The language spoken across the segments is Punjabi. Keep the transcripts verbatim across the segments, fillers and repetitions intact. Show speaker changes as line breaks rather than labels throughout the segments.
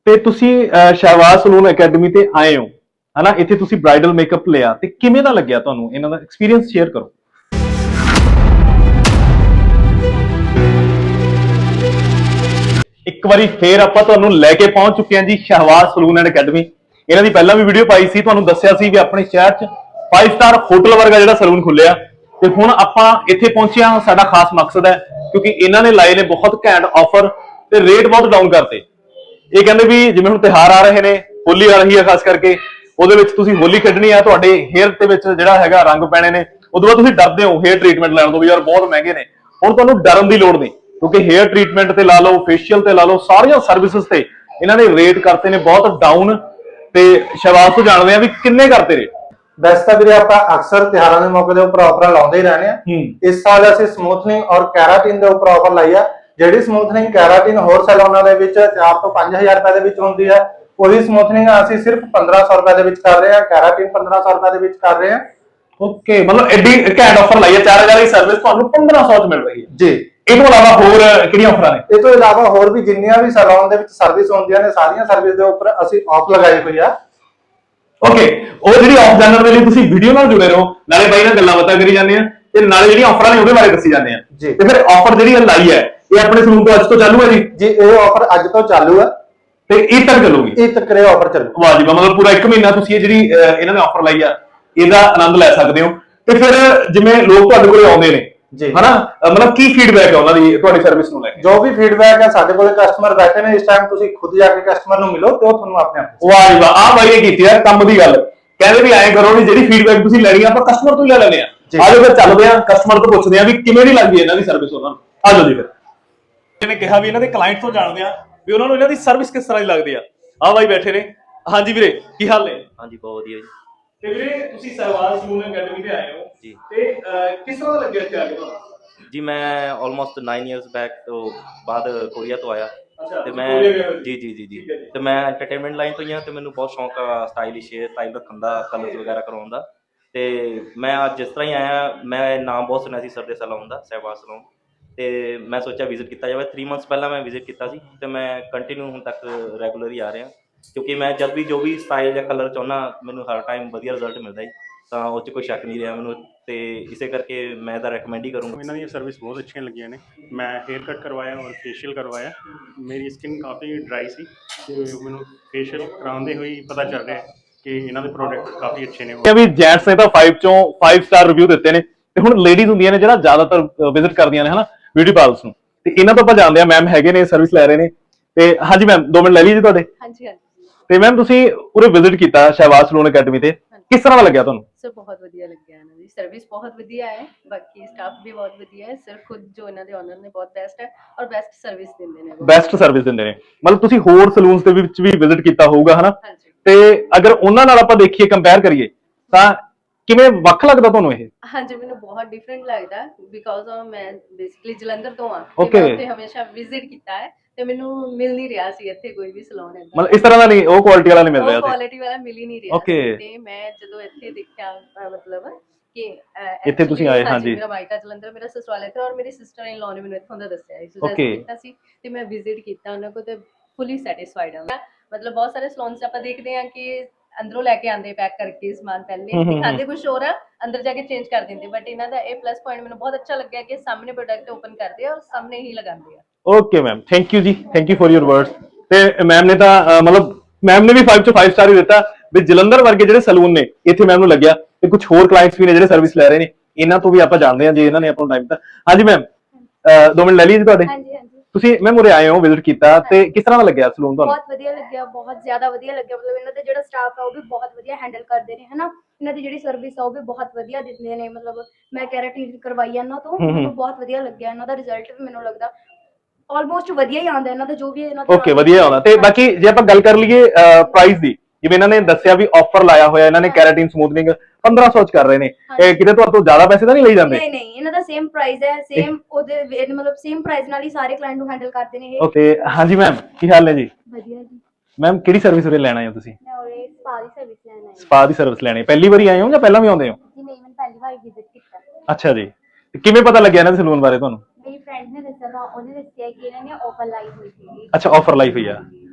ਤੇ ਤੁਸੀਂ ਅਹ, ਸ਼ਹਿਬਾਜ਼ ਸਲੂਨ ਅਕੈਡਮੀ ਤੇ ਆਏ ਹੋ ਹਨਾ, ਇੱਥੇ ਤੁਸੀਂ ਬ੍ਰਾਈਡਲ ਮੇਕਅਪ ਲਿਆ ਤੇ ਕਿਵੇਂ ਦਾ ਲੱਗਿਆ ਤੁਹਾਨੂੰ? ਇਹਨਾਂ ਦਾ ਐਕਸਪੀਰੀਅੰਸ ਸ਼ੇਅਰ ਕਰੋ। ਇੱਕ ਵਾਰੀ ਫੇਰ ਆਪਾਂ ਤੁਹਾਨੂੰ ਲੈ ਕੇ ਪਹੁੰਚ ਚੁੱਕੇ ਹਾਂ ਜੀ ਸ਼ਹਿਬਾਜ਼ ਸਲੂਨ ਐਂਡ ਅਕੈਡਮੀ। ਇਹਨਾਂ ਦੀ ਪਹਿਲਾਂ ਵੀ ਵੀਡੀਓ ਪਾਈ ਸੀ, ਤੁਹਾਨੂੰ ਦੱਸਿਆ ਸੀ ਵੀ ਆਪਣੇ ਸ਼ਹਿਰ 'ਚ ਫਾਈਵ ਸਟਾਰ ਹੋਟਲ ਵਰਗਾ ਜਿਹੜਾ ਸਲੂਨ ਖੁੱਲਿਆ ਤੇ ਹੁਣ ਆਪਾਂ ਇੱਥੇ ਪਹੁੰਚੇ ਹਾਂ। ਸਾਡਾ ਖਾਸ ਮਕਸਦ ਹੈ ਕਿਉਂਕਿ ਇਹਨਾਂ ਨੇ ਲਾਏ ਨੇ ਬਹੁਤ ਘੈਂਟ ਆਫਰ ਤੇ ਰੇਟ ਬਹੁਤ ਡਾਊਨ ਕਰਤੇ। ਇਹ ਕਹਿੰਦੇ ਵੀ ਜਿਵੇਂ ਹੁਣ ਤਿਉਹਾਰ ਆ ਰਹੇ ਨੇ, ਹੋਲੀ ਆ ਰਹੀ ਹੈ ਖਾਸ ਕਰਕੇ, ਉਹਦੇ ਵਿੱਚ ਤੁਸੀਂ ਹੋਲੀ ਖੇਡਣੀ ਆ, ਤੁਹਾਡੇ ਹੇਅਰ ਦੇ ਵਿੱਚ ਜਿਹੜਾ ਹੈਗਾ ਰੰਗ ਪੈਣੇ ਨੇ, ਉਦੋਂ ਬਾਅਦ ਤੁਸੀਂ ਡਰਦੇ ਹੋ ਹੇਅਰ ਟ੍ਰੀਟਮੈਂਟ ਲੈਣ ਤੋਂ ਵੀ ਯਾਰ ਬਹੁਤ ਮਹਿੰਗੇ ਨੇ। ਹੁਣ ਤੁਹਾਨੂੰ ਡਰਨ ਦੀ ਲੋੜ ਨਹੀਂ ਕਿਉਂਕਿ ਹੇਅਰ ਟ੍ਰੀਟਮੈਂਟ ਤੇ ਲਾ ਲਓ, ਫੇਸ਼ੀਅਲ ਤੇ ਲਾ ਲਓ, ਸਾਰੀਆਂ ਸਰਵਿਸਿਜ਼ ਤੇ ਇਹਨਾਂ ਨੇ ਰੇਟ ਕਰਤੇ ਨੇ ਬਹੁਤ ਡਾਊਨ। ਤੇ ਸ਼ਹਿਬਾਜ਼ ਤੋਂ ਜਾਣਦੇ ਆ ਵੀ ਕਿੰਨੇ ਕਰਤੇ ਰੇਟ।
ਵੈਸੇ ਤਾਂ ਵੀਰੇ ਆਪਾਂ ਅਕਸਰ ਤਿਉਹਾਰਾਂ ਦੇ ਮੌਕੇ ਦੇ ਉੱਪਰ ਆਫਰ ਲਾਉਂਦੇ ਹੀ ਰਹਿੰਦੇ ਆ। ਇਸ ਸਾਲ ਅਸੀਂ ਸਮੂਥਨਿੰਗ ਔਰ ਕੈਰਾਟਿਨ ਦੇ ਉੱਪਰ ਆਫਰ ਲਾਈ ਆ। ਜਿਹੜੀ ਸਮੂਥਨਿੰਗ ਕੈਰਾਟਿਨ ਹੋਰ ਸੈਲੂਨਾਂ ਦੇ ਵਿੱਚ ਚਾਰ ਤੋਂ ਪੰਜ ਹਜ਼ਾਰ ਰੁਪਏ ਦੇ ਵਿੱਚ ਹੁੰਦੀ ਹੈ, ਉਹੀ ਸਮੂਥਨਿੰਗ ਅਸੀਂ ਸਿਰਫ ਪੰਦਰਾਂ ਸੌ ਰੁਪਏ ਦੇ ਵਿੱਚ ਕਰ ਰਹੇ ਹਾਂ। ਕੈਰਾਟਿਨ ਪੰਦਰਾਂ ਸੌ ਰੁਪਏ ਦੇ ਵਿੱਚ ਕਰ ਰਹੇ ਹਾਂ।
ਓਕੇ, ਮਤਲਬ ਐਡੀ ਘੈਂਟ ਆਫਰ ਲਾਈ ਹੈ, ਚਾਰ ਹਜ਼ਾਰ ਦੀ ਸਰਵਿਸ ਤੁਹਾਨੂੰ ਪੰਦਰਾਂ ਸੌ ਚ ਮਿਲ ਰਹੀ ਹੈ
ਜੀ।
ਇਹ ਤੋਂ ਇਲਾਵਾ ਹੋਰ ਕਿਹੜੀਆਂ ਆਫਰਾਂ ਨੇ?
ਇਹ ਤੋਂ ਇਲਾਵਾ ਹੋਰ ਵੀ ਜਿੰਨੀਆਂ ਵੀ ਸੈਲੂਨ ਦੇ ਵਿੱਚ ਸਰਵਿਸ ਹੁੰਦੀਆਂ ਨੇ, ਸਾਰੀਆਂ ਸਰਵਿਸ ਦੇ ਉੱਪਰ ਅਸੀਂ ਆਫ ਲਗਾਈ ਹੋਈ ਆ।
ਓਕੇ, ਉਹ ਜਿਹੜੀ ਆਫ ਜਾਣਨ ਦੇ ਲਈ ਤੁਸੀਂ ਵੀਡੀਓ ਨਾਲ ਜੁੜੇ ਰਹੋ, ਨਾਲੇ ਬਾਈ ਨਾਲ ਗੱਲਾਂ ਬਾਤਾਂ ਕਰੀ ਜਾਂਦੇ ਆ ਤੇ ਨਾਲੇ ਜਿਹੜੀਆਂ ਆਫਰਾਂ ਨੇ ਉਹਦੇ ਬਾਰੇ ਦੱਸੀ ਜਾਂਦੇ ਆ
ਜੀ।
ਤੇ ਫਿਰ ਆਫਰ ਜਿਹੜੀ ਲਾਈ ਹੈ ਇਹ ਆਪਣੇ ਸਲੂਨ ਤੋਂ ਅੱਜ ਤੋਂ ਚਾਲੂ ਹੈ ਜੀ?
ਜੀ, ਇਹ ਆਫਰ ਅੱਜ ਤੋਂ ਚਾਲੂ ਹੈ
ਤੇ ਇਹ ਤੱਕ ਚੱਲੂਗੀ?
ਇਹ ਤੱਕ ਇਹ ਆਫਰ ਚੱਲੂ।
ਵਾਹ ਜੀ ਵਾਹ, ਮਤਲਬ ਪੂਰਾ ਇੱਕ ਮਹੀਨਾ ਤੁਸੀਂ ਇਹ ਜਿਹੜੀ ਇਹਨਾਂ ਨੇ ਆਫਰ ਲਾਈ ਆ ਇਹਦਾ ਆਨੰਦ ਲੈ ਸਕਦੇ ਹੋ। ਤੇ ਫਿਰ ਜਿਵੇਂ ਲੋਕ ਤੁਹਾਡੇ ਕੋਲੇ ਆਉਂਦੇ ਨੇ
ਜੀ
ਹਨਾ, ਮਤਲਬ ਕੀ ਫੀਡਬੈਕ ਹੈ ਉਹਨਾਂ ਦੀ ਤੁਹਾਡੀ ਸਰਵਿਸ ਨੂੰ ਲੈ ਕੇ?
ਜੋ ਵੀ ਫੀਡਬੈਕ ਹੈ, ਸਾਡੇ ਕੋਲੇ ਕਸਟਮਰ ਬੈਠੇ ਨੇ ਇਸ ਟਾਈਮ, ਤੁਸੀਂ ਖੁਦ ਜਾ ਕੇ ਕਸਟਮਰ ਨੂੰ ਮਿਲੋ ਤੇ ਉਹ ਤੁਹਾਨੂੰ ਆਪਣੇ ਆਪ।
ਵਾਹ ਜੀ ਵਾਹ, ਆਹ ਬਾਈ ਇਹ ਕੀਤੀ ਯਾਰ ਕੰਮ ਦੀ ਗੱਲ। ਕਹਿੰਦੇ ਵੀ ਐਂ ਕਰੋ ਵੀ ਜਿਹੜੀ ਫੀਡਬੈਕ ਤੁਸੀਂ ਲੈਣੀ ਆ ਆਪਾਂ ਕਸਟਮਰ ਤੋਂ ਹੀ ਲੈ ਲੈਣੇ ਆ। ਆਜੋ ਫਿਰ ਚੱਲਦੇ ਆ, ਕਸਟਮਰ ਤੋਂ ਪੁੱਛਦੇ ਆ ਵੀ ਕਿਵੇਂ ਦੀ ਲੱਗਦੀ ਹੈ ਇਹਨਾਂ ਦੀ ਸਰਵਿਸ ਉਹਨਾਂ ਨੂੰ। ਆਜੋ ਜੀ ਫਿਰ। ਇਹਨੇ ਕਿਹਾ ਵੀ ਇਹਨਾਂ ਦੇ ਕਲਾਇੰਟ ਤੋਂ ਜਾਣਦੇ ਆ ਵੀ ਉਹਨਾਂ ਨੂੰ ਇਹਨਾਂ ਦੀ ਸਰਵਿਸ ਕਿਸ ਤਰ੍ਹਾਂ ਦੀ ਲੱਗਦੀ ਆ। ਆਹ ਬਾਈ ਬੈਠੇ ਨੇ। ਹਾਂਜੀ ਵੀਰੇ, ਕੀ ਹਾਲ ਨੇ?
ਹਾਂਜੀ, ਬਹੁਤ ਵਧੀਆ ਜੀ।
ਤੇ ਵੀਰੇ ਤੁਸੀਂ ਸ਼ਹਿਬਾਜ਼ ਸਲੂਨ ਅਕੈਡਮੀ ਤੇ ਆਏ ਹੋ
ਜੀ
ਤੇ ਕਿਸ ਤਰ੍ਹਾਂ ਦਾ ਲੱਗਿਆ ਇੱਥੇ ਆ ਕੇ ਤੁਹਾਨੂੰ?
ਜੀ, ਮੈਂ ਆਲਮੋਸਟ ਨੌ ਇਅਰਸ ਬੈਕ ਤੋਂ ਬਾਅਦ ਕੋਰੀਆ ਤੋਂ ਆਇਆ ਤੇ ਮੈਂ ਜੀ ਜੀ ਜੀ ਜੀ ਤੇ ਮੈਂ ਐਂਟਰਟੇਨਮੈਂਟ ਲਾਈਨ ਤੋਂ ਹੀ ਹਾਂ ਤੇ ਮੈਨੂੰ ਬਹੁਤ ਸ਼ੌਂਕ ਆ ਸਟਾਈਲਿਸ਼ ਸਟਾਈਲ ਰੱਖਣ ਦਾ, ਕਲਰਸ ਵਗੈਰਾ ਕਰਾਉਣ ਦਾ। ਤੇ ਮੈਂ ਅੱਜ ਜਿਸ ਤਰ੍ਹਾਂ ਹੀ ਆਇਆ, ਮੈਂ ਨਾਮ ਬਹੁਤ ਸੁਣਿਆ ਸੀ ਸਰ ਦੇ ਸੈਲੂਨ ਦਾ, ਸ਼ਹਿਬਾਜ਼ ਸਲੂਨ, ਤੇ ਮੈਂ ਸੋਚਿਆ ਵਿਜ਼ਿਟ ਕੀਤਾ ਜਾਵੇ। ਥ੍ਰੀ ਮੰਥਸ ਪਹਿਲਾਂ ਮੈਂ ਵਿਜ਼ਿਟ ਕੀਤਾ ਸੀ ਤੇ ਮੈਂ ਕੰਟੀਨਿਊ ਹੁਣ ਤੱਕ ਰੈਗੂਲਰ ਹੀ ਆ ਰਿਹਾ ਕਿਉਂਕਿ ਮੈਂ ਜਦ ਵੀ ਜੋ ਵੀ ਸਟਾਈਲ ਜਾਂ ਕਲਰ ਚਾਹੁੰਦਾ ਮੈਨੂੰ ਹਰ ਟਾਈਮ ਵਧੀਆ ਰਿਜ਼ਲਟ ਮਿਲਦਾ ਜੀ, ਤਾਂ ਉਹ 'ਚ ਕੋਈ ਸ਼ੱਕ ਨਹੀਂ ਰਿਹਾ ਮੈਨੂੰ। ਤੇ ਇਸੇ ਕਰਕੇ ਮੈਂ ਤਾਂ ਰეკਮੈਂਡ ਹੀ ਕਰੂੰਗਾ।
ਇਹਨਾਂ ਦੀਆਂ ਸਰਵਿਸ ਬਹੁਤ ਅੱਛੀਆਂ ਲੱਗੀਆਂ ਨੇ। ਮੈਂ ਹੇਅਰ ਕੱਟ ਕਰਵਾਇਆ ਔਰ ਫੇਸ਼ੀਅਲ ਕਰਵਾਇਆ। ਮੇਰੀ ਸਕਿਨ ਕਾਫੀ ਡਰਾਈ ਸੀ ਤੇ ਮੈਨੂੰ ਫੇਸ਼ੀਅਲ ਕਰਾਉਂਦੇ ਹੋਏ ਪਤਾ ਚੱਲ ਰਿਹਾ ਕਿ ਇਹਨਾਂ ਦੇ ਪ੍ਰੋਡਕਟ ਕਾਫੀ ਅੱਛੇ ਨੇ।
ਕਿ ਵੀ ਜੈਂਟਸ ਨੇ ਤਾਂ ਪੰਜ ਚੋਂ ਪੰਜ ਸਟਾਰ ਰਿਵਿਊ ਦਿੱਤੇ ਨੇ ਤੇ ਹੁਣ ਲੇਡੀਜ਼ ਹੁੰਦੀਆਂ ਨੇ ਜਿਹੜਾ ਜ਼ਿਆਦਾਤਰ ਵਿਜ਼ਿਟ ਕਰਦੀਆਂ ਨੇ ਹਨਾ ਬਿਊਟੀ ਪਾਰਲਰਸ ਨੂੰ, ਤੇ ਇਹਨਾਂ ਤੋਂ ਆਪਾਂ ਜਾਣਦੇ ਆ ਮੈਮ ਹੈਗੇ ਨੇ, ਸਰਵਿਸ ਲੈ ਰਹੇ ਨੇ। ਤੇ ਹਾਂਜੀ ਮੈਮ, ਦੋ ਮਿੰਟ ਲੈ ਲਈ ਜੀ ਤੁਹਾਡੇ।
ਹਾਂਜੀ ਹਾਂਜੀ।
ਤੇ ਮੈਮ ਤੁਸੀਂ ਉਰੇ ਵਿਜ਼ਿਟ ਕੀਤਾ ਸ਼ਹਿਬਾਜ਼ ਸਲੂਨ ਅਕੈਡਮੀ ਤੇ, ਕਿਸ ਤਰ੍ਹਾਂ ਦਾ ਲੱਗਿਆ ਤੁਹਾਨੂੰ?
ਸਰ ਬਹੁਤ ਵਧੀਆ ਲੱਗਿਆ, ਇਹਨਾਂ ਦੀ ਸਰਵਿਸ ਬਹੁਤ ਵਧੀਆ ਹੈ, ਬਾਕੀ ਸਟਾਫ ਵੀ ਬਹੁਤ ਵਧੀਆ ਹੈ। ਸਰ ਖੁਦ ਜੋ ਇਹਨਾਂ ਦੇ ਓਨਰ ਨੇ ਬਹੁਤ ਬੈਸਟ ਹੈ ਔਰ ਬੈਸਟ ਸਰਵਿਸ ਦਿੰਦੇ ਨੇ।
ਬੈਸਟ ਸਰਵਿਸ ਦਿੰਦੇ ਨੇ। ਮਤਲਬ ਤੁਸੀਂ ਹੋਰ ਸਲੂਨਸ ਦੇ ਵਿੱਚ ਵੀ ਵਿਜ਼ਿਟ ਕੀਤਾ ਹੋਊਗਾ ਹਨਾ,
ਹਾਂਜੀ।
ਤੇ ਅਗਰ ਉਹਨਾਂ ਨਾਲ ਆਪਾਂ ਦੇਖੀਏ, ਕੰਪੇਅਰ ਕਰੀਏ ਤਾਂ ਕਿਵੇਂ ਵੱਖ ਲੱਗਦਾ ਤੁਹਾਨੂੰ ਇਹ?
ਹਾਂਜੀ, ਮੈਨੂੰ ਬਹੁਤ ਡਿਫਰੈਂਟ ਲੱਗਦਾ ਬਿਕਾਜ਼ ਮੈਂ ਬੇਸਿਕਲੀ ਜਲੰਧਰ ਤੋਂ ਆ
Okay।
ਮੈਂ ਉੱਥੇ ਹਮੇਸ਼ਾ ਵਿਜ਼ਿਟ ਕੀਤਾ ਹੈ ਤੇ ਮੈਨੂੰ ਮਿਲ ਨਹੀਂ ਰਿਹਾ ਸੀ ਇੱਥੇ ਕੋਈ ਵੀ ਸਲੂਨ ਹੈ।
ਮਤਲਬ ਇਸ ਤਰ੍ਹਾਂ ਦਾ ਨਹੀਂ, ਉਹ ਕੁਆਲਿਟੀ ਵਾਲਾ ਨਹੀਂ ਮਿਲ ਰਿਹਾ
ਉਹ
ਸੀ।
ਕੁਆਲਿਟੀ ਵਾਲਾ ਮਿਲ ਹੀ ਨਹੀਂ ਰਿਹਾ
Okay।
ਸੀ ਤੇ ਮੈਂ ਜਦੋਂ ਇੱਥੇ ਦੇਖਿਆ ਅਹ ਮਤਲਬ ਕਿ ਅਹ
ਇੱਥੇ ਤੁਸੀਂ
actually
ਆਏ, ਹਾਂਜੀ।
ਮੇਰਾ ਮਾਇਕਾ ਜਲੰਧਰ, ਮੇਰਾ ਸਸੁਰਾਲ ਇੱਥੇ ਔਰ ਮੇਰੀ ਸਿਸਟਰ ਇਨ ਲਾਅ ਨੇ ਮੈਨੂੰ ਇੱਥੋਂ ਦਾ ਦੱਸਿਆ ਸੀ,
Okay।
ਸੁਜੈਸਟ ਕੀਤਾ ਸੀ ਤੇ ਮੈਂ ਵਿਜ਼ਿਟ ਕੀਤਾ ਉਹਨਾਂ ਕੋਲ ਤੇ ਫੁੱਲੀ ਸੈਟੀਸਫਾਈਡ ਹਾਂ। ਮਤਲਬ ਬਹੁਤ ਸਾਰੇ ਸਲੂਨਸ ਆਪਾਂ ਦੇਖਦੇ ਹਾਂ ਕਿ ਅੰਦਰੋਂ ਲੈ ਕੇ ਆਂਦੇ ਪੈਕ ਕਰਕੇ ਸਮਾਨ, ਪਹਿਲੇ ਦਿਖਾਉਂਦੇ ਕੁਝ ਹੋਰ ਆ, ਅੰਦਰ ਜਾ ਕੇ ਚੇਂਜ ਕਰ ਦਿੰਦੇ। ਬਟ ਇਹਨਾਂ ਦਾ ਇਹ ਪਲੱਸ ਪੁਆਇੰਟ ਮੈਨੂੰ ਬਹੁਤ ਅੱਛਾ ਲੱਗਿਆ ਕਿ ਸਾਹਮਣੇ ਪ੍ਰੋਡਕਟ ਓਪਨ ਕਰਦੇ ਆ ਔਰ ਸਾਹਮਣੇ ਹੀ ਲਗਾਉਂਦੇ ਆ।
ਓਕੇ ਮੈਮ, ਥੈਂਕ ਯੂ ਜੀ, thank you for your words. ਤੇ ਮੈਮ ਨੇ ਤਾਂ ਮਤਲਬ ਮੈਮ ਨੇ ਵੀ ਪੰਜ ਚੋਂ ਪੰਜ ਸਟਾਰ ਹੀ ਦਿੱਤਾ ਵੀ ਜਲੰਧਰ ਵਰਗੇ ਜਿਹੜੇ ਸਲੂਨ ਨੇ ਇੱਥੇ ਮੈਮ ਨੂੰ ਲੱਗਿਆ। ਤੇ ਕੁਝ ਹੋਰ ਕਲਾਇੰਟਸ ਵੀ ਨੇ ਜਿਹੜੇ ਸਰਵਿਸ ਲੈ ਰਹੇ ਨੇ, ਇਹਨਾਂ ਤੋਂ ਵੀ ਆਪਾਂ ਜਾਣਦੇ ਹਾਂ ਜੇ ਇਹਨਾਂ ਨੇ ਆਪਣਾ ਟਾਈਮ ਦਿੱਤਾ। ਹਾਂਜੀ ਮੈਮ, ਦੋ ਮਿੰਟ ਲੈ ਲਈ ਜੀ ਤੁਹਾਡੇ।
ਹਾਂਜੀ ਹਾਂਜੀ।
ਤੁਸੀਂ ਮੈਮ ਉਰੇ ਆਏ ਹੋ, ਵਿਜ਼ਿਟ ਕੀਤਾ, ਤੇ ਕਿਸ ਤਰ੍ਹਾਂ ਦਾ ਲੱਗਿਆ ਸਲੂਨ ਤੁਹਾਨੂੰ?
ਬਹੁਤ ਵਧੀਆ ਲੱਗਿਆ, ਬਹੁਤ ਜ਼ਿਆਦਾ ਵਧੀਆ ਲੱਗਿਆ। ਮਤਲਬ ਇਹਨਾਂ ਦਾ ਜਿਹੜਾ ਸਟਾਫ ਆ ਉਹ ਵੀ ਬਹੁਤ ਵਧੀਆ ਹੈਂਡਲ ਕਰਦੇ ਨੇ ਹਨਾ। ਇਹਨਾਂ ਦੀ ਜਿਹੜੀ ਸਰਵਿਸ ਆ ਉਹ ਵੀ ਬਹੁਤ ਵਧੀਆ ਦਿੰਦੇ ਨੇ। ਮਤਲਬ ਮੈਂ ਕੈਰਾਟਿਨ ਕਰਵਾਈ ਇਹਨਾਂ ਤੋਂ, ਮੈਨੂੰ ਬਹੁਤ ਵਧੀਆ ਲੱਗਿਆ। ਇਹਨਾਂ ਦਾ ਰਿਜ਼ਲਟ ਵੀ ਮੈਨੂੰ ਲੱਗਦਾ ਆਲਮੋਸਟ ਵਧੀਆ ਹੀ ਆਉਂਦਾ ਇਹਨਾਂ ਦਾ, ਜੋ ਵੀ ਇਹਨਾਂ ਦਾ।
ਓਕੇ, ਵਧੀਆ ਆਉਂਦਾ। ਤੇ ਬਾਕੀ ਜੇ ਆਪਾਂ ਗੱਲ ਕਰ ਲਈਏ ਪ੍ਰਾਈਸ ਦੀ, ਜਿਵੇਂ ਇਹਨਾਂ ਨੇ ਦੱਸਿਆ ਵੀ ਆਫਰ ਲਾਇਆ ਹੋਇਆ ਇਹਨਾਂ ਨੇ, ਕੈਰਾਟਿਨ ਸਮੂਥਨਿੰਗ ਪੰਦਰਾਂ ਸੌ ਚ ਕਰ ਰਹੇ ਨੇ, ਇਹ ਕਿਤੇ ਤੁਹਾਡੇ ਤੋਂ ਜ਼ਿਆਦਾ ਪੈਸੇ ਤਾਂ ਨਹੀਂ ਲਈ ਜਾਂਦੇ?
ਨਹੀਂ ਨਹੀਂ, ਇਹਨਾਂ ਦਾ ਸੇਮ ਪ੍ਰਾਈਸ ਹੈ, ਸੇਮ ਉਹਦੇ ਮਤਲਬ ਸੇਮ ਪ੍ਰਾਈਸ ਨਾਲ ਹੀ ਸਾਰੇ ਕਲਾਇੰਟ ਨੂੰ ਹੈਂਡਲ ਕਰਦੇ ਨੇ ਇਹ।
ਓਕੇ, ਹਾਂਜੀ ਮੈਮ, ਕੀ ਹਾਲ ਨੇ ਜੀ?
ਵਧੀਆ ਜੀ।
ਮੈਮ ਕਿਹੜੀ ਸਰਵਿਸ ਉਰੇ ਲੈਣਾ ਹੈ ਤੁਸੀਂ?
ਮੈਂ ਉਰੇ ਸਪਾ ਦੀ ਸਰਵਿਸ ਲੈਣ ਆਈ।
ਸਪਾ ਦੀ ਸਰਵਿਸ ਲੈਣੀ ਪਹਿਲੀ ਵਾਰੀ ਆਏ ਹੋ ਜਾਂ ਪਹਿਲਾਂ ਵੀ ਆਉਂਦੇ ਹੋ?
ਜੀ ਨਹੀਂ, ਮੈਂ ਪਹਿਲੀ ਵਾਰ ਵਿਜ਼ਿਟ ਕੀਤਾ।
ਅੱਛਾ ਜੀ, ਕਿਵੇਂ ਪਤਾ ਲੱਗਿਆ ਇਹਨਾਂ ਦੇ ਸਲੂਨ ਬਾਰੇ ਤੁਹਾਨੂੰ?
ਮੇਰੀ ਫਰੈਂਡ ਨੇ ਦੱਸਿਆ ਤਾਂ ਉਹਨੇ ਦੱਸਿਆ ਕਿ ਇਹਨਾਂ ਨੇ ਆਫਰ ਲਾਈ ਹੋਈ ਸੀ।
ਅੱਛਾ, ਆਫਰ ਲਾਈ ਹੋਈ ਆ।
ਤੇ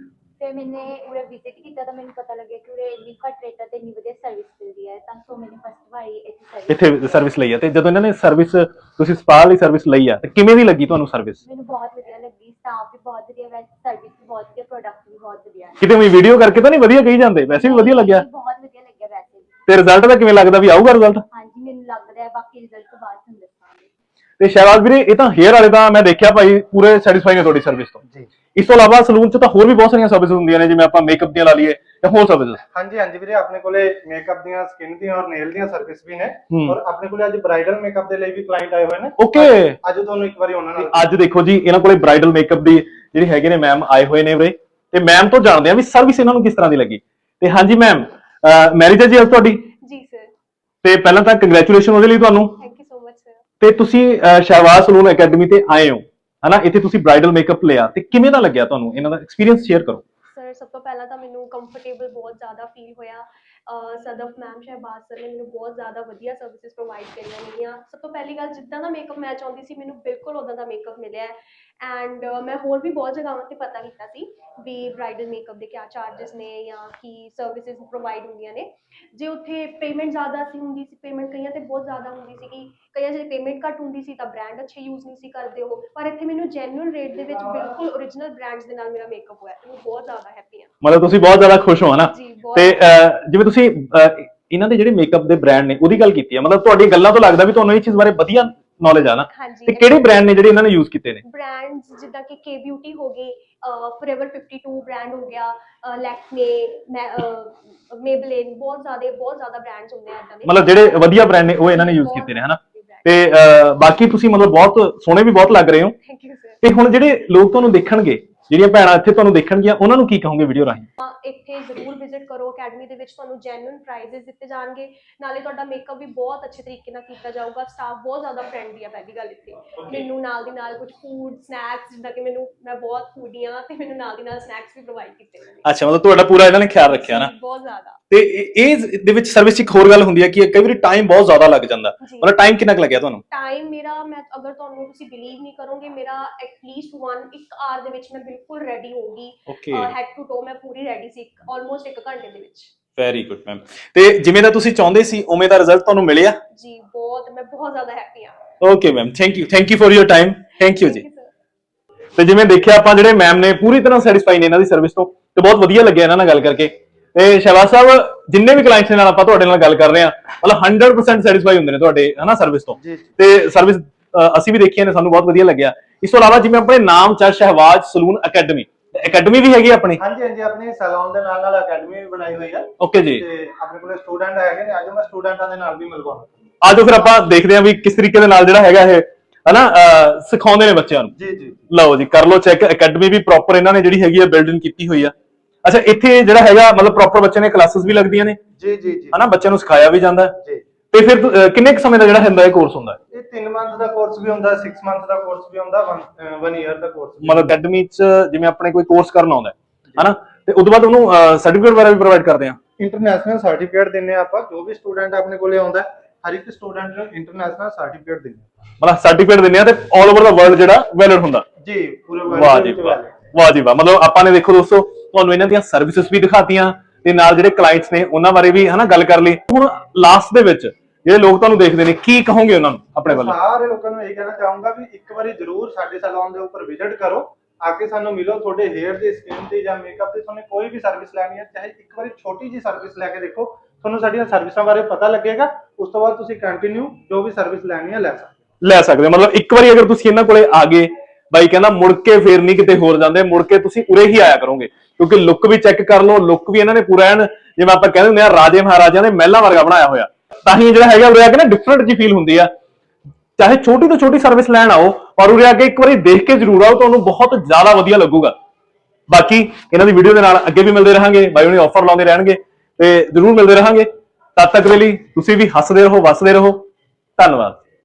ਜਿਵੇਂ ਮੈਨੇ ਉਰੇ ਵਿਜ਼ਿਟ ਕੀਤਾ ਤਾਂ ਮੈਨੂੰ ਪਤਾ ਲੱਗਿਆ ਕਿ ਉਰੇ ਇੰਨੀ ਘੱਟ ਰੇਟਾਂ ਤੇ ਇੰਨੀ ਵਧੀਆ ਸਰਵਿਸ ਮਿਲਦੀ ਹੈ, ਤਾਂ ਸੋ ਮੈਨੇ ਫਸਟ ਵਾਰੀ ਇੱਥੇ ਸਰਵਿਸ
ਇੱਥੇ ਸਰਵਿਸ ਲਈ ਆ, ਤੇ ਜਦੋਂ ਇਹਨਾਂ ਨੇ ਸਰਵਿਸ ਤੁਸੀਂ ਸਪਾ ਲਈ ਸਰਵਿਸ ਲਈ ਆ ਤੇ ਕਿਵੇਂ ਦੀ ਲੱਗੀ ਤੁਹਾਨੂੰ ਸਰਵਿਸ?
ਮੈਨੂੰ ਬਹੁਤ ਵਧੀਆ ਲੱਗੀ, ਸਟਾਫ ਵੀ ਬਹੁਤ ਵਧੀਆ, ਵੈਸੇ ਸਰਵਿਸ ਵੀ ਬਹੁਤ ਵਧੀਆ, ਪ੍ਰੋਡਕਟ ਵੀ ਬਹੁਤ ਵਧੀਆ ਹੈ।
ਕਿਤੇ ਵੀ ਵੀਡੀਓ ਕਰਕੇ ਤਾਂ ਨਹੀਂ ਵਧੀਆ ਕਹੀ ਜਾਂਦੇ, ਵੈਸੇ ਵੀ ਵਧੀਆ ਲੱਗਿਆ
ਬਹੁਤ ਵਧੀਆ ਲੱਗਿਆ ਵੈਸੇ ਵੀ।
ਤੇ ਰਿਜ਼ਲਟ ਦਾ ਕਿਵੇਂ ਲੱਗਦਾ ਵੀ ਆਊਗਾ ਰਿਜ਼ਲਟ?
ਹਾਂਜੀ ਮੈਨੂੰ ਲੱਗ ਰਿਹਾ, ਬਾਕੀ ਰਿਜ਼ਲਟ ਤੋਂ ਬਾਅਦ ਤੁਹਾਨੂੰ ਦੱਸਾਂਗੇ।
ਤੇ ਸ਼ਹਿਬਾਜ਼ ਵੀਰੇ ਇਹ ਤਾਂ ਹੇਅਰ ਵਾਲੇ ਤਾਂ ਮੈਂ ਦੇਖਿਆ ਭਾਈ ਪੂਰੇ ਸੈਟੀਸਫਾਈ ਨੇ ਤੁਹਾਡੀ ਸਰਵਿਸ ਤੋਂ
ਜੀ।
ਇਸ ਤੋਂ ਇਲਾਵਾ ਸਲੂਨ 'ਚ ਤਾਂ ਹੋਰ ਵੀ ਬਹੁਤ ਸਾਰੀਆਂ ਸਰਵਿਸ ਹੁੰਦੀਆਂ ਨੇ, ਜਿਵੇਂ ਆਪਾਂ ਮੇਕਅਪ ਦੀਆਂ ਲਾ ਲਈਏ ਜਾਂ ਹੋਰ ਸਰਵਿਸ।
ਹਾਂਜੀ ਹਾਂਜੀ ਵੀਰੇ, ਆਪਣੇ ਕੋਲੇ ਮੇਕਅਪ ਦੀਆਂ, ਸਕਿਨ ਦੀਆਂ ਔਰ ਨੇਲ ਦੀਆਂ ਸਰਵਿਸ ਵੀ ਨੇ,
ਹੂੰ।
ਔਰ ਆਪਣੇ ਕੋਲੇ ਅੱਜ ਬ੍ਰਾਈਡਲ ਮੇਕਅਪ ਦੇ ਲਈ ਵੀ ਕਲਾਇੰਟ ਆਏ ਹੋਏ ਨੇ।
ਓਕੇ,
ਅੱਜ ਤੁਹਾਨੂੰ ਇੱਕ ਵਾਰੀ ਉਹਨਾਂ ਨਾਲ
ਅੱਜ ਦੇਖੋ ਜੀ ਇਹਨਾਂ ਕੋਲੇ ਬ੍ਰਾਈਡਲ ਮੇਕਅਪ ਦੀ ਜਿਹੜੀ ਹੈਗੇ ਨੇ ਮੈਮ ਆਏ ਹੋਏ ਨੇ ਵੀਰੇ, ਤੇ ਮੈਮ ਤੋਂ ਜਾਣਦੇ ਆ ਵੀ ਸਰਵਿਸ ਇਹਨਾਂ ਨੂੰ ਕਿਸ ਤਰ੍ਹਾਂ ਦੀ ਲੱਗੀ। ਤੇ ਹਾਂਜੀ ਮੈਮ, ਮੈਰਿਜ ਹੈ ਜੀ ਅੱਜ ਤੁਹਾਡੀ?
ਜੀ ਸਰ,
ਤੇ ਪਹਿਲਾਂ ਤਾਂ ਕੰਗ੍ਰੈਚੁਲੇਸ਼ਨ ਉਹਦੇ ਲਈ ਤੁਹਾਨੂੰ।
Thank you so much sir.
ਤੇ ਤੁਸੀਂ ਅਹ, ਸ਼ਹਿਬਾਜ਼ ਸਲੂਨ ਅਕੈਡਮੀ ਤੇ ਆਏ ਹੋ ਹਨਾ, ਇੱਥੇ ਤੁਸੀਂ ਬ੍ਰਾਈਡਲ ਮੇਕਅਪ ਲਿਆ, ਤੇ ਕਿਵੇਂ ਦਾ ਲੱਗਿਆ ਤੁਹਾਨੂੰ? ਇਹਨਾਂ ਦਾ ਐਕਸਪੀਰੀਅੰਸ ਸ਼ੇਅਰ ਕਰੋ।
ਸਰ ਸਭ ਤੋਂ ਪਹਿਲਾਂ ਤਾਂ ਮੈਨੂੰ ਕੰਫਰਟੇਬਲ ਬਹੁਤ ਜ਼ਿਆਦਾ ਫੀਲ ਹੋਇਆ। ਸਦਫ ਮੈਮ, ਸ਼ਹਿਬਾਜ਼ ਸਰ ਨੇ ਮੈਨੂੰ ਬਹੁਤ ਜ਼ਿਆਦਾ ਵਧੀਆ ਸਰਵਿਸਿਜ਼ ਪ੍ਰੋਵਾਈਡ ਕਰੀਆਂ ਨੇਗੀਆਂ। ਸਭ ਤੋਂ ਪਹਿਲੀ ਗੱਲ, ਜਿੱਦਾਂ ਦਾ ਮੇਕਅਪ ਮੈਂ ਚਾਹੁੰਦੀ ਸੀ ਮੈਨੂੰ ਬਿਲਕੁਲ ਉੱਦਾਂ ਦਾ ਮੇਕਅਪ ਮਿਲਿਆ ਹੈ। ਐਂਡ ਮੈਂ ਹੋਰ ਵੀ ਬਹੁਤ ਜਗ੍ਹਾਵਾਂ 'ਤੇ ਪਤਾ ਕੀਤਾ ਸੀ ਵੀ ਬ੍ਰਾਈਡਲ ਮੇਕਅਪ ਦੇ ਕਿਆ ਚਾਰजेस ਨੇ ਜਾਂ ਕੀ ਸਰਵਿਸਿਜ਼ ਪ੍ਰੋਵਾਈਡ ਹੁੰਦੀਆਂ ਨੇ। ਜੇ ਉੱਥੇ ਪੇਮੈਂਟ ਜ਼ਿਆਦਾ ਸੀ ਹੁੰਦੀ ਸੀ, ਪੇਮੈਂਟ ਕਈਆਂ 'ਤੇ ਬਹੁਤ ਜ਼ਿਆਦਾ ਹੁੰਦੀ ਸੀਗੀ, ਕਈਆਂ 'ਚ ਪੇਮੈਂਟ ਘੱਟ ਹੁੰਦੀ ਸੀ ਤਾਂ ਬ੍ਰਾਂਡ ਅੱਛੇ ਯੂਜ਼ ਨਹੀਂ ਸੀ ਕਰਦੇ ਉਹ। ਪਰ ਇੱਥੇ ਮੈਨੂੰ ਜੈਨੂਅਲ ਰੇਟ ਦੇ ਵਿੱਚ ਬਿਲਕੁਲ ਓਰੀਜਨਲ ਬ੍ਰਾਂਡਸ ਦੇ ਨਾਲ ਮੇਰਾ ਮੇਕਅਪ ਹੋਇਆ, ਤੇ ਮੈਂ ਬਹੁਤ ਜ਼ਿਆਦਾ ਹੈਪੀ ਹਾਂ।
ਮਤਲਬ ਤੁਸੀਂ ਬਹੁਤ ਜ਼ਿਆਦਾ ਖੁਸ਼ ਹੋ ਹਨਾ?
ਜੀ ਬਹੁਤ।
ਤੇ ਅਹ, ਜਿਵੇਂ ਤੁਸੀਂ ਅਹ, ਇਹਨਾਂ ਦੇ ਜਿਹੜੇ ਮੇਕਅਪ ਦੇ ਬ੍ਰਾਂਡ ਨੇ ਉਹਦੀ ਗੱਲ ਕੀਤੀ ਹੈ, ਮਤਲਬ ਤੁਹਾਡੀ ਗੱਲਾਂ ਤੋਂ ਲੱਗਦਾ ਵੀ ਤੁਹਾਨੂੰ ਇਹ ਚੀਜ਼ ਬਾਰੇ ਵਧੀਆ ਨੌਲੇਜ ਆ ਨਾ।
ਹਾਂਜੀ।
ਤੇ ਕਿਹੜੇ ਬ੍ਰਾਂਡ ਨੇ ਜਿਹੜੇ ਇਹਨਾਂ ਨੇ ਯੂਜ਼ ਕੀਤੇ ਨੇ?
ਬ੍ਰਾਂਡਸ ਜਿੱਦਾਂ ਕਿ ਕੇ ਬਿਊਟੀ ਹੋ ਗਈ, ਫੋਰਐਵਰ ਫਿਫਟੀ ਟੂ ਬ੍ਰਾਂਡ ਹੋ ਗਿਆ, ਲੈਕਮੇ, ਮੇਬਲਿਨ, ਬਹੁਤ ਜ਼ਿਆਦਾ ਬਹੁਤ ਜ਼ਿਆਦਾ ਬ੍ਰਾਂਡਸ ਹੁੰਦੇ ਆ ਇੱਦਾਂ ਦੇ।
ਮਤਲਬ ਜਿਹੜੇ ਵਧੀਆ ਬ੍ਰਾਂਡ ਨੇ ਉਹ ਇਹਨਾਂ ਨੇ ਯੂਜ਼ ਕੀਤੇ ਨੇ ਹਨਾ। ਤੇ ਅਹ, ਬਾਕੀ ਤੁਸੀਂ ਮਤਲਬ ਬਹੁਤ ਸੋਹਣੇ ਵੀ ਬਹੁਤ ਲੱਗ ਰਹੇ ਹੋ।
Thank you sir.
ਤੇ ਹੁਣ ਜਿਹੜੇ ਲੋਕ ਤੁਹਾਨੂੰ ਦੇਖਣਗੇ, ਜਿਹੜੀਆਂ ਭੈਣਾਂ ਇੱਥੇ ਤੁਹਾਨੂੰ ਦੇਖਣਗੀਆਂ, ਉਹਨਾਂ ਨੂੰ ਕੀ ਕਹੋਗੇ ਵੀਡੀਓ ਰਾਹੀਂ?
ਇੱਥੇ ਜ਼ਰੂਰ ਵਿਜ਼ਿਟ ਕਰੋ ਅਕੈਡਮੀ ਦੇ ਵਿੱਚ, ਤੁਹਾਨੂੰ ਜੈਨੂਇਨ ਪ੍ਰਾਈਜ਼ਸ ਦਿੱਤੇ ਜਾਣਗੇ, ਨਾਲੇ ਤੁਹਾਡਾ ਮੇਕਅਪ ਵੀ ਬਹੁਤ ਅੱਛੇ ਤਰੀਕੇ ਨਾਲ ਕੀਤਾ ਜਾਊਗਾ। ਸਟਾਫ ਬਹੁਤ ਜ਼ਿਆਦਾ ਫਰੈਂਡਲੀ ਆ ਪਹਿਲੀ ਗੱਲ ਇੱਥੇ। ਮੈਨੂੰ ਨਾਲ ਦੀ ਨਾਲ ਕੁਝ ਫੂਡ ਸਨੈਕਸ, ਜਿੱਦਾਂ ਕਿ ਮੈਨੂੰ ਮੈਂ ਬਹੁਤ ਫੂਡੀ ਆ ਤੇ ਮੈਨੂੰ ਨਾਲ ਦੀ ਨਾਲ ਸਨੈਕਸ ਵੀ ਪ੍ਰੋਵਾਈਡ ਕੀਤੇ ਨੇ।
ਅੱਛਾ, ਮਤਲਬ ਤੁਹਾਡਾ ਪੂਰਾ ਇਹਨਾਂ ਨੇ ਖਿਆਲ ਰੱਖਿਆ ਨਾ।
ਬਹੁਤ ਜ਼ਿਆਦਾ।
ਤੇ ਇਹ ਦੇ ਵਿੱਚ ਸਰਵਿਸ 'ਚ ਇੱਕ ਹੋਰ ਗੱਲ ਹੁੰਦੀ ਹੈ ਕਿ ਕਈ ਵਾਰੀ ਟਾਈਮ ਬਹੁਤ ਜ਼ਿਆਦਾ ਲੱਗ ਜਾਂਦਾ, ਮਤਲਬ ਟਾਈਮ ਕਿੰਨਾ ਕੁ ਲੱਗਿਆ ਤੁਹਾਨੂੰ?
ਟਾਈਮ ਮੇਰਾ, ਮੈਂ ਅਗਰ ਤੁਹਾਨੂੰ ਤੁਸੀਂ ਬਿਲੀਵ ਨਹੀਂ ਕਰੋਗੇ, ਮੇਰਾ ਐਟਲੀਸਟ ਵਨ ਇੱਕ ਆਰ ਦੇ ਵਿੱਚ ਮੈਂ ਬਿਲਕੁਲ ਰੈਡੀ ਹੋ ਗਈ।
ਓਕੇ,
ਹੈਡ ਟੂ ਟੋ ਮੈਂ ਪੂਰੀ ਰੈਡੀ ਸੀ ਆਲਮੋਸਟ ਇੱਕ ਘੰਟੇ ਦੇ ਵਿੱਚ।
Very good ma'am. ਤੇ ਜਿਵੇਂ ਦਾ ਤੁਸੀਂ ਚਾਹੁੰਦੇ ਸੀ ਉਵੇਂ ਦਾ ਰਿਜ਼ਲਟ ਤੁਹਾਨੂੰ ਮਿਲਿਆ?
ਜੀ ਬਹੁਤ, ਮੈਂ ਬਹੁਤ ਜ਼ਿਆਦਾ ਹੈਪੀ ਹਾਂ।
Okay ma'am, thank you thank you for your time. Thank you ਜੀ।
Thank you, sir।
ਤੇ ਜਿਵੇਂ ਦੇਖਿਆ ਆਪਾਂ, ਜਿਹੜੇ ਮੈਮ ਨੇ ਪੂਰੀ ਤਰ੍ਹਾਂ ਸੈਟੀਸਫਾਈ ਨੇ ਇਹਨਾਂ ਦੀ ਸਰਵਿਸ ਤੋਂ, ਤੇ ਬਹੁਤ ਵਧੀਆ ਲੱਗਿਆ ਇਹਨਾਂ ਨਾਲ ਗੱਲ ਕਰਕੇ। ਤੇ ਸ਼ਹਿਬਾਜ਼ ਸਾਹਿਬ, ਜਿੰਨੇ ਵੀ ਕਲਾਇੰਟਸ ਨਾਲ ਆਪਾਂ ਤੁਹਾਡੇ ਨਾਲ ਗੱਲ ਕਰ ਰਹੇ ਹਾਂ, ਮਤਲਬ ਹੰਡਰਡ ਪਰਸੈਂਟ ਸੈਟੀਸਫਾਈ ਹੁੰਦੇ ਨੇ ਤੁਹਾਡੇ ਹਨਾ ਸਰਵਿਸ ਤੋਂ। ਤੇ ਸਰਵਿਸ ਅਸੀਂ ਵੀ ਦੇਖੀਆਂ ਨੇ, ਸਾਨੂੰ ਬਹੁਤ ਵਧੀਆ ਲੱਗਿਆ। ਇਸ ਤੋਂ ਇਲਾਵਾ ਜਿਵੇਂ ਆਪਣੇ ਨਾਮ ਚ ਸ਼ਹਿਬਾਜ਼ ਸਲੂਨ ਅਕੈਡਮੀ, ਅਕੈਡਮੀ ਵੀ ਹੈਗੀ ਆਪਣੀ?
ਹਾਂਜੀ ਹਾਂਜੀ, ਆਪਣੀ ਸੈਲੂਨ ਦੇ ਨਾਲ ਨਾਲ ਅਕੈਡਮੀ ਵੀ ਬਣਾਈ ਹੋਈ ਹੈ।
ਓਕੇ ਜੀ।
ਤੇ ਆਪਣੇ ਕੋਲੇ ਸਟੂਡੈਂਟ ਹੈਗੇ ਨੇ, ਅੱਜ ਮੈਂ ਸਟੂਡੈਂਟਾਂ ਦੇ ਨਾਲ ਵੀ ਮਿਲਵਾਉਣਾ।
ਆਜੋ ਫਿਰ ਆਪਾਂ ਦੇਖਦੇ ਹਾਂ ਵੀ ਕਿਸ ਤਰੀਕੇ ਦੇ ਨਾਲ ਜਿਹੜਾ ਹੈਗਾ ਇਹ ਹਨਾ ਸਿਖਾਉਂਦੇ ਨੇ ਬੱਚਿਆਂ ਨੂੰ।
ਜੀ ਜੀ।
ਲਓ ਜੀ, ਕਰ ਲਓ ਚੈੱਕ। ਅਕੈਡਮੀ ਵੀ ਪ੍ਰੋਪਰ ਇਹਨਾਂ ਨੇ ਜਿਹੜੀ ਹੈਗੀ ਆ ਬਿਲਡਿੰਗ ਕੀਤੀ ਹੋਈ ਆ। ਅੱਛਾ, ਇੱਥੇ ਜਿਹੜਾ ਹੈਗਾ ਮਤਲਬ ਪ੍ਰੋਪਰ ਬੱਚੇ ਨੇ ਕਲਾਸਿਸ ਵੀ ਲੱਗਦੀਆਂ ਨੇ
ਜੀ ਜੀ ਜੀ
ਹਨਾ, ਬੱਚਿਆਂ ਨੂੰ ਸਿਖਾਇਆ ਵੀ ਜਾਂਦਾ
ਜੀ।
ਤੇ ਫਿਰ ਅਹ, ਕਿੰਨੇ ਕੁ ਸਮੇਂ ਦਾ ਜਿਹੜਾ ਹੁੰਦਾ ਇਹ ਕੋਰਸ ਹੁੰਦਾ?
ਇਹ ਤਿੰਨ ਮੰਥ ਦਾ ਕੋਰਸ ਵੀ ਹੁੰਦਾ, ਛੇ ਮੰਥ ਦਾ ਕੋਰਸ ਵੀ ਹੁੰਦਾ, ਇੱਕ ਈਅਰ ਦਾ ਕੋਰਸ ਵੀ।
ਮਤਲਬ ਅਕੈਡਮੀ ਚ ਜਿਵੇਂ ਆਪਣੇ ਕੋਈ ਕੋਰਸ ਕਰਨ ਆਉਂਦਾ ਹਨਾ, ਤੇ ਉਦੋਂ ਬਾਅਦ ਉਹਨੂੰ ਸਰਟੀਫਿਕੇਟ ਵਗੈਰਾ ਵੀ ਪ੍ਰੋਵਾਈਡ ਕਰਦੇ ਆ?
ਇੰਟਰਨੈਸ਼ਨਲ ਸਰਟੀਫਿਕੇਟ ਦਿੰਨੇ ਆ ਆਪਾਂ। ਜੋ ਵੀ ਸਟੂਡੈਂਟ ਆਪਣੇ ਕੋਲੇ ਆਉਂਦਾ, ਹਰ ਇੱਕ ਸਟੂਡੈਂਟ ਨੂੰ ਇੰਟਰਨੈਸ਼ਨਲ ਸਰਟੀਫਿਕੇਟ ਦਿੰਨੇ ਆ।
ਮਤਲਬ ਸਰਟੀਫਿਕੇਟ ਦਿੰਦੇ ਆ ਤੇ ਆਲ ਓਵਰ ਦਾ ਵਰਲਡ ਜਿਹੜਾ ਵੈਲਿਡ ਹੁੰਦਾ?
ਜੀ, ਪੂਰੇ
ਵਾਹ
ਵਰਲਡ
ਜੀ
ਵਿੱਚ
ਵਾਹ,
valid।
ਵਾਹ ਜੀ ਵਾਹ। ਮਤਲਬ ਆਪਾਂ ਨੇ ਦੇਖੋ ਦੋਸਤੋ, ਤੁਹਾਨੂੰ ਇਹਨਾਂ ਦੀਆਂ ਸਰਵਿਸਿਜ਼ ਵੀ ਦਿਖਾਤੀਆਂ ਤੇ ਨਾਲ ਜਿਹੜੇ ਕਲਾਇੰਟਸ ਨੇ ਉਹਨਾਂ ਬਾਰੇ ਵੀ ਹਨਾ ਗੱਲ ਕਰ ਲਈ। ਹੁਣ ਲਾਸਟ ਦੇ ਵਿੱਚ ਜਿਹੜੇ ਲੋਕ ਤੁਹਾਨੂੰ ਦੇਖਦੇ ਨੇ, ਕੀ ਕਹੋਗੇ ਉਹਨਾਂ ਨੂੰ ਆਪਣੇ ਵੱਲੋਂ?
ਸਾਰੇ ਲੋਕਾਂ ਨੂੰ ਇਹ ਕਹਿਣਾ ਚਾਹੂੰਗਾ ਵੀ ਇੱਕ ਵਾਰੀ ਜ਼ਰੂਰ ਸਾਡੇ ਸੈਲੂਨ ਦੇ ਉੱਪਰ ਵਿਜ਼ਿਟ ਕਰੋ, ਆ ਕੇ ਸਾਨੂੰ ਮਿਲੋ। ਤੁਹਾਡੇ ਹੇਅਰ ਦੀ, ਸਕਿਨ ਦੀ ਜਾਂ ਮੇਕਅਪ ਦੀ ਤੁਹਾਨੂੰ ਕੋਈ ਵੀ ਸਰਵਿਸ ਲੈਣੀ ਹੈ, ਚਾਹੇ ਇੱਕ ਵਾਰੀ ਛੋਟੀ ਜੀ ਸਰਵਿਸ ਲੈ ਕੇ ਦੇਖੋ, ਤੁਹਾਨੂੰ ਸਾਡੀਆਂ ਸਰਵਿਸਾਂ ਬਾਰੇ ਪਤਾ ਲੱਗੇਗਾ। ਉਸ ਤੋਂ ਬਾਅਦ ਤੁਸੀਂ ਕੰਟੀਨਿਊ ਜੋ ਵੀ ਸਰਵਿਸ ਲੈਣੀ ਹੈ ਲੈ ਸਕਦੇ ਹੋ।
ਲੈ ਸਕਦੇ ਹੋ। ਮਤਲਬ ਇੱਕ ਵਾਰੀ ਅਗਰ ਤੁਸੀਂ ਇਹਨਾਂ ਕੋਲੇ ਆ ਗਏ, ਬਾਈ ਕਹਿੰਦਾ ਮੁੜ ਕੇ ਫੇਰ ਨਹੀਂ ਕਿਤੇ ਹੋਰ ਜਾਂਦੇ, ਮੁੜ ਕੇ ਤੁਸੀਂ ਉਰੇ ਹੀ ਆਇਆ ਕਰੋਗੇ, ਕਿਉਂਕਿ ਲੁੱਕ ਵੀ ਚੈੱਕ ਕਰ ਲਓ। ਲੁੱਕ ਵੀ ਇਹਨਾਂ ਨੇ ਪੂਰਾ ਐਨ ਜਿਵੇਂ ਆਪਾਂ ਕਹਿੰਦੇ ਹੁੰਦੇ ਆ ਰਾਜੇ ਮਹਾਰਾਜਿਆਂ ਦੇ ਮਹਿਲਾਂ ਵਰਗਾ ਬਣਾਇਆ ਹੋਇਆ। ਤਾਂ ਹੀ ਜਿਹੜਾ ਹੈਗਾ ਉਰੇ ਆ ਕੇ ਨਾ ਡਿਫਰੈਂਟ ਜੀ ਫੀਲ ਹੁੰਦੀ ਆ। ਚਾਹੇ ਛੋਟੀ ਤੋਂ ਛੋਟੀ ਸਰਵਿਸ ਲੈਣ ਆਓ, ਪਰ ਉਰੇ ਆ ਕੇ ਇੱਕ ਵਾਰੀ ਦੇਖ ਕੇ ਜ਼ਰੂਰ ਆਓ, ਤੁਹਾਨੂੰ ਬਹੁਤ ਜ਼ਿਆਦਾ ਵਧੀਆ ਲੱਗੂਗਾ। ਬਾਕੀ ਇਹਨਾਂ ਦੀ ਵੀਡੀਓ ਦੇ ਨਾਲ ਅੱਗੇ ਵੀ ਮਿਲਦੇ ਰਹਾਂਗੇ, ਬਾਈ ਉਹਨੇ ਆਫਰ ਲਾਉਂਦੇ ਰਹਿਣਗੇ ਤੇ ਜ਼ਰੂਰ ਮਿਲਦੇ ਰਹਾਂਗੇ। ਤਦ ਤੱਕ ਦੇ ਲਈ ਤੁਸੀਂ ਵੀ ਹੱਸਦੇ ਰਹੋ, ਵਸਦੇ ਰਹੋ। ਧੰਨਵਾਦ।